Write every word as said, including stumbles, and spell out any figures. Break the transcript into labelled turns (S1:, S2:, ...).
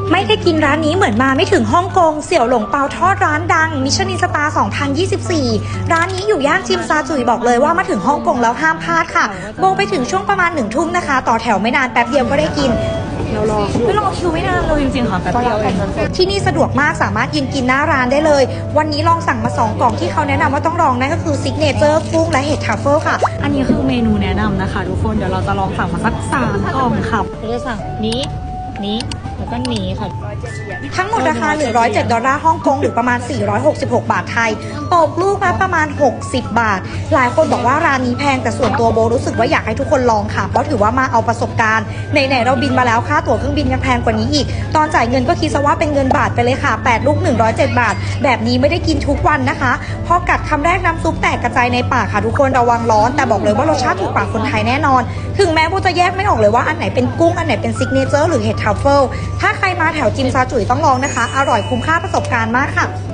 S1: ไม่ได้กินร้านนี้เหมือนมาไม่ถึงฮ่องกงเสี่ยวหลงเปาทอดร้านดังมิชลินสตาร์ สองพันยี่สิบสี่ ร้านนี้อยู่ย่านจิมซาจุยบอกเลยว่ามาถึงฮ่องกงแล้วห้ามพลาดค่ะโบไปถึงช่วงประมาณหนึ่งทุ่มนะคะต่อแถวไม่นานแป๊บเดียวก็ได้กินเรารอไม่รอคิวไม่นานเลยจริงๆค่ะแป๊บเดียวเองที่นี่สะดวกมากสามารถยืนกินหน้าร้านได้เลยวันนี้ลองสั่งมาสองกล่องที่เขาแนะนำว่าต้องลองนั่นก็คือซิกเนเจอร์กุ้งและเห็ดทรัฟเฟิลค่ะ
S2: อันนี้คือเมนูแนะนำนะคะทุกคนเดี๋ยวเราจะลองสั่งมาสักสามกล่องค่ะเราจะสั่งนี้นี้แล้วก็นี้ค่ะ
S1: ทั้งหมดราคาหนึ่งร้อยเจ็ดดอลลาร์ฮ่องกงหรือประมาณสี่ร้อยหกสิบหกบาทไทยตกลูกละประมาณหกสิบบาทหลายคนบอกว่าร้านนี้แพงแต่ส่วนตัวโบรู้สึกว่าอยากให้ทุกคนลองค่ะเพราะถือว่ามาเอาประสบการณ์ไหนๆเราบินมาแล้วค่าตั๋วเครื่องบินยังแพงกว่านี้อีกตอนจ่ายเงินก็คิดซะว่าเป็นเงินบาทไปเลยค่ะแปดลูกหนึ่งร้อยเจ็ดบาทแบบนี้ไม่ได้กินทุกวันนะคะพอกัดคำแรกน้ำซุปแตกกระจายในปากค่ะทุกคนระวังร้อนแต่บอกเลยว่ารสชาติถูกปากคนไทยแน่นอนถึงแม้โบจะแยกไม่ออกเลยว่าอันไหนเป็นกุ้งอันไหนเป็นซิกเนเจอร์หรือเห็ดทรัฟเฟิลถ้าใครมาแถวจิมซาจุยต้องลองนะคะอร่อยคุ้มค่าประสบการณ์มากค่ะ